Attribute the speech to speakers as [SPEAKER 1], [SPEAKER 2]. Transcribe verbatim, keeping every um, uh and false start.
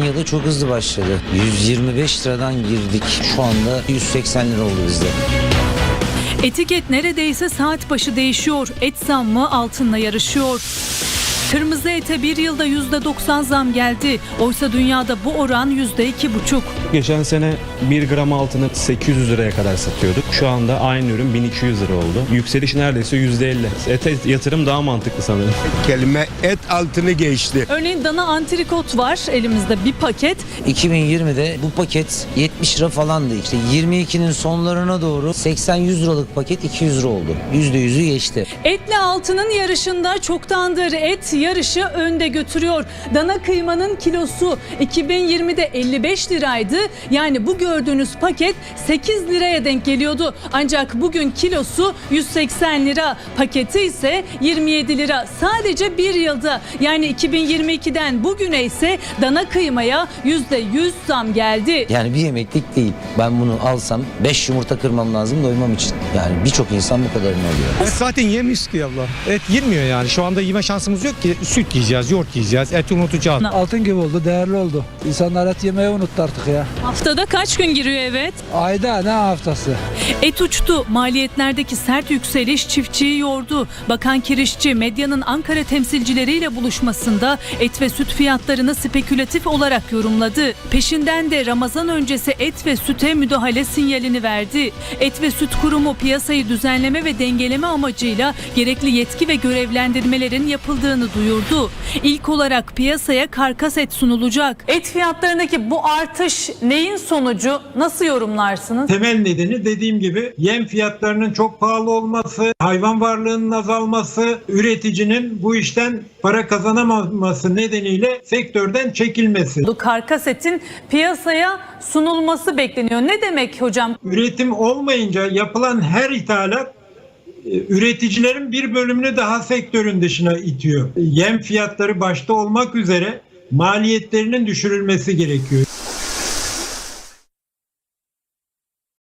[SPEAKER 1] yılı çok hızlı başladı. yüz yirmi beş liradan girdik. Şu anda yüz seksen lira oldu bizde.
[SPEAKER 2] Etiket neredeyse saat başı değişiyor. Et zammı altınla yarışıyor. Kırmızı ete bir yılda yüzde doksan zam geldi. Oysa dünyada bu oran yüzde iki buçuk.
[SPEAKER 3] Geçen sene bir gram altını sekiz yüz liraya kadar satıyorduk. Şu anda aynı ürün bin iki yüz lira oldu. Yükseliş neredeyse yüzde elli. Ete yatırım daha mantıklı sanırım.
[SPEAKER 4] Kelime et altını geçti.
[SPEAKER 2] Örneğin dana antrikot var elimizde bir paket.
[SPEAKER 1] iki bin yirmide bu paket yetmiş lira falandı. İşte yirmi ikinin sonlarına doğru seksen yüz liralık paket iki yüz lira oldu. yüzde yüzü geçti.
[SPEAKER 2] Etle altının yarışında çoktandır et yarışı önde götürüyor. Dana kıymanın kilosu iki bin yirmide elli beş liraydı. Yani bu gördüğünüz paket sekiz liraya denk geliyordu. Ancak bugün kilosu yüz seksen lira. Paketi ise yirmi yedi lira. Sadece bir yılda, yani iki bin yirmi ikiden bugüne ise dana kıymaya yüzde yüz zam geldi.
[SPEAKER 1] Yani bir yemeklik değil. Ben bunu alsam beş yumurta kırmam lazım doymam için. Yani birçok insan bu kadarını alıyor.
[SPEAKER 5] Et zaten yemiyoruz ki abla. Et girmiyor yani. Şu anda yeme şansımız yok ki. Süt yiyeceğiz, yoğurt yiyeceğiz, et unutacağız.
[SPEAKER 6] Altın gibi oldu, değerli oldu. İnsanlar et yemeyi unuttu artık ya.
[SPEAKER 2] Haftada kaç gün giriyor evet?
[SPEAKER 6] Ayda ne haftası?
[SPEAKER 2] Et uçtu. Maliyetlerdeki sert yükseliş çiftçiyi yordu. Bakan Kirişçi medyanın Ankara temsilcileriyle buluşmasında et ve süt fiyatlarını spekülatif olarak yorumladı. Peşinden de Ramazan öncesi et ve süte müdahale sinyalini verdi. Et ve Süt Kurumu piyasayı düzenleme ve dengeleme amacıyla gerekli yetki ve görevlendirmelerin yapıldığını duyurdu. İlk olarak piyasaya karkas et sunulacak. Et fiyatlarındaki bu artış neyin sonucu? Nasıl yorumlarsınız?
[SPEAKER 7] Temel nedeni dediğim gibi yem fiyatlarının çok pahalı olması, hayvan varlığının azalması, üreticinin bu işten para kazanamaması nedeniyle sektörden çekilmesi.
[SPEAKER 2] Bu karkas etin piyasaya sunulması bekleniyor. Ne demek hocam?
[SPEAKER 7] Üretim olmayınca yapılan her ithalat üreticilerin bir bölümünü daha sektörün dışına itiyor. Yem fiyatları başta olmak üzere maliyetlerinin düşürülmesi gerekiyor.